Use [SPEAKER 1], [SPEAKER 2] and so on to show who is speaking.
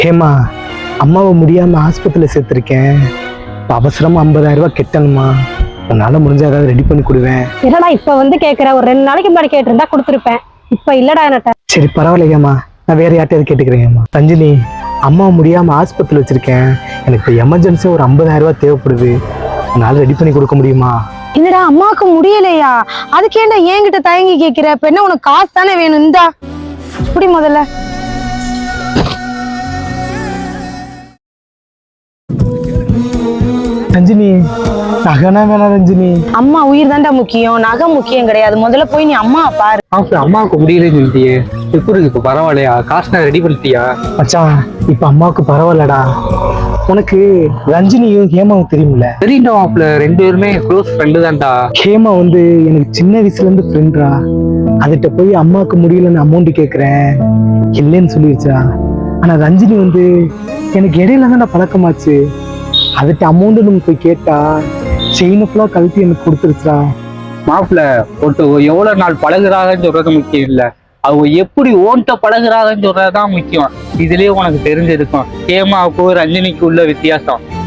[SPEAKER 1] ஹேமா, அம்மாவை முடியாம ஆஸ்பத்திரியில் சேர்த்துருக்கேன். இப்போ அவசரமா 50,000 ரூபாய் கெட்டணுமா? உன்னால முடிஞ்சா ஏதாவது ரெடி பண்ணி கொடுவேன்.
[SPEAKER 2] இல்லடா இப்ப வந்து கேக்குற, ஒரு 2 நாளைக்கு முன்னாடி கேட்டிருந்தா கொடுத்துருப்பேன். இப்ப இல்லடா என்கிட்ட.
[SPEAKER 1] சரி பரவாயில்ல ஹேமா, நான் வேற யார்ட்டையாவது கேட்டுக்கிறேன். ஹேமா, ரஞ்சினி, அம்மாவை முடியாம ஆஸ்பத்திரியில் வச்சிருக்கேன். எனக்கு இப்போ எமர்ஜென்சியா ஒரு 50,000 ரூபாய் தேவைப்படுது. உன்னால ரெடி பண்ணி கொடுக்க முடியுமா?
[SPEAKER 2] இல்லடா அம்மாவுக்கு முடியலையா? அதுக்கேண்டா என்கிட்ட தயங்கி கேக்குற? இப்ப என்ன உனக்கு காசு தானே வேணும்? இந்தா இப்படி முதல்ல.
[SPEAKER 1] ரஞ்சினி, நகைனா வேணாம் ரஞ்சினி.
[SPEAKER 2] அம்மா உயிர் தான்டா முக்கியம், நகை முக்கியம் கிடையாது. முதல்ல போய் நீ அம்மா பாரு.
[SPEAKER 3] அம்மாவுக்கு முடியலன்னு சொல்லிட்டியே, எப்படி இருக்கு? இப்ப பரவாயில்லையா? காசு நான் ரெடி பண்ணிட்டியா?
[SPEAKER 1] மச்சான், இப்ப அம்மாவுக்கு பரவாயில்லடா. உனக்கு ரஞ்சினியும் ஹேமாவும் தெரியுமில்ல?
[SPEAKER 3] தெரியுண்டா மாப்பிள்ள, 2 பேருமே க்ளோஸ் ஃப்ரெண்டு தான்டா.
[SPEAKER 1] ஹேமா வந்து எனக்கு சின்ன வயசுல இருந்து ஃப்ரெண்ட்ரா. அதுகிட்ட போய் அம்மாவுக்கு முடியலன்னு அமௌண்ட் கேட்குறேன், இல்லைன்னு சொல்லிடுச்சா. ஆனா ரஞ்சினி வந்து எனக்கு இடையில தான் பழக்கமாச்சு. அதுக்கு அமௌண்ட் நம்ம போய் கேட்டா செயினை ஃபுல்லா கழட்டி எனக்கு கொடுத்துருச்சா.
[SPEAKER 3] மாப்பிள்ள, ஒருத்தர் எவ்வளவு நாள் பழகுறாங்கன்னு சொல்றது முக்கியம் இல்ல, அவங்க எப்படி ஓன்ட்ட பழகுறாங்கன்னு சொல்றதுதான் முக்கியம். இதுலயே உனக்கு தெரிஞ்சிருக்கும் ஹேமாவுக்கும் ரஞ்சினிக்கு உள்ள வித்தியாசம்.